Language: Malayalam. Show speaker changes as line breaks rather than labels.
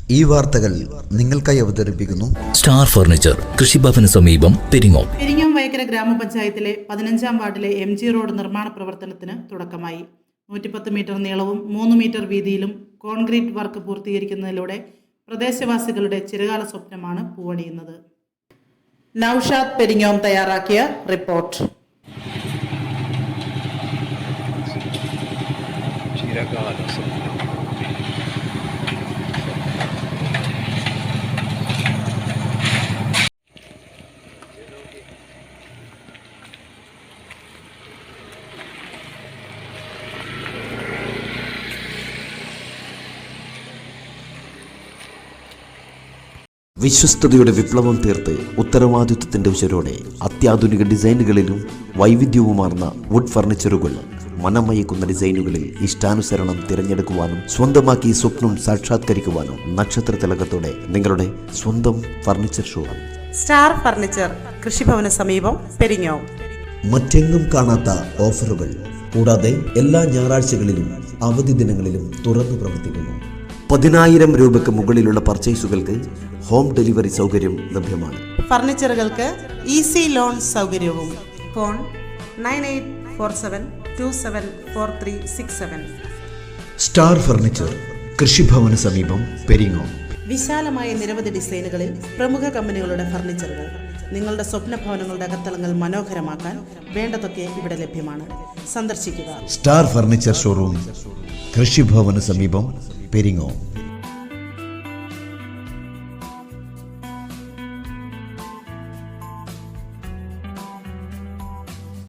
ഈ വാർത്തകൾ നിങ്ങൾക്കായി അവതരിപ്പിക്കുന്നു
സ്റ്റാർ ഫർണിച്ചർ, കൃഷിഭവന് സമീപം, പെരിങ്ങോം.
പെരിങ്ങോം വൈക്കര ഗ്രാമപഞ്ചായത്തിലെ 15-ാം വാർഡിലെ MG റോഡ് നിർമ്മാണ പ്രവർത്തനത്തിന് തുടക്കമായി. 110 മീറ്റർ നീളവും 3 മീറ്റർ വീതിയിലും കോൺക്രീറ്റ് വർക്ക് പൂർത്തീകരിക്കുന്നതിലൂടെ പ്രദേശവാസികളുടെ ചിരകാല സ്വപ്നമാണ് പൂവണിയുന്നത്. നൌഷാദ് പെരിങ്ങോം തയ്യാറാക്കിയ റിപ്പോർട്ട്.
വിശ്വസ്തയുടെ വിപ്ലവം തീർത്ത് ഉത്തരവാദിത്വത്തിന്റെ ഉശരോടെ അത്യാധുനിക ഡിസൈനുകളിലും വൈവിധ്യവുമാർന്ന വുഡ് ഫർണിച്ചറുകൾ, മനമയക്കുന്ന ഡിസൈനുകളിൽ ഇഷ്ടാനുസരണം തിരഞ്ഞെടുക്കുവാനും സ്വന്തമാക്കി സ്വപ്നം സാക്ഷാത്കരിക്കുവാനും നക്ഷത്ര തിലകത്തോടെ നിങ്ങളുടെ സ്വന്തം ഫർണിച്ചർ ഷോ
സ്റ്റാർ ഫർണിച്ചർ, കൃഷിഭവന് സമീപം, പെരിങ്ങോം.
മറ്റെങ്ങും കാണാത്ത ഓഫറുകൾ കൂടാതെ എല്ലാ ഞായറാഴ്ചകളിലും അവധി ദിനങ്ങളിലും തുറന്നു പ്രവർത്തിക്കുന്നു. 10,000 രൂപയ്ക്ക് മുകളിലുള്ള പർച്ചേസുകൾക്ക് ഹോം ഡെലിവറി സൗകര്യം ലഭ്യമാണ്.
ഫർണിച്ചറുകൾക്ക് ഈസി ലോൺ സൗകര്യവും. ഫോൺ 9847274367.
സ്റ്റാർ ഫർണിച്ചർ, കൃഷിഭവന് സമീപം, പെരിങ്ങോം.
വിശാലമായ നിരവധി ഡിസൈനുകളിൽ പ്രമുഖ കമ്പനികളുടെ ഫർണിച്ചറുകൾ. നിങ്ങളുടെ സ്വപ്ന ഭവനങ്ങളുടെ അകത്തളങ്ങൾ മനോഹരമാക്കാൻ വേണ്ടതൊക്കെ ഇവിടെ ലഭ്യമാണ്. സന്ദർശിക്കുക.
സ്റ്റാർ ഫർണിച്ചർ ഷോറൂം, കൃഷിഭവന് സമീപം, പെരിങ്ങോം.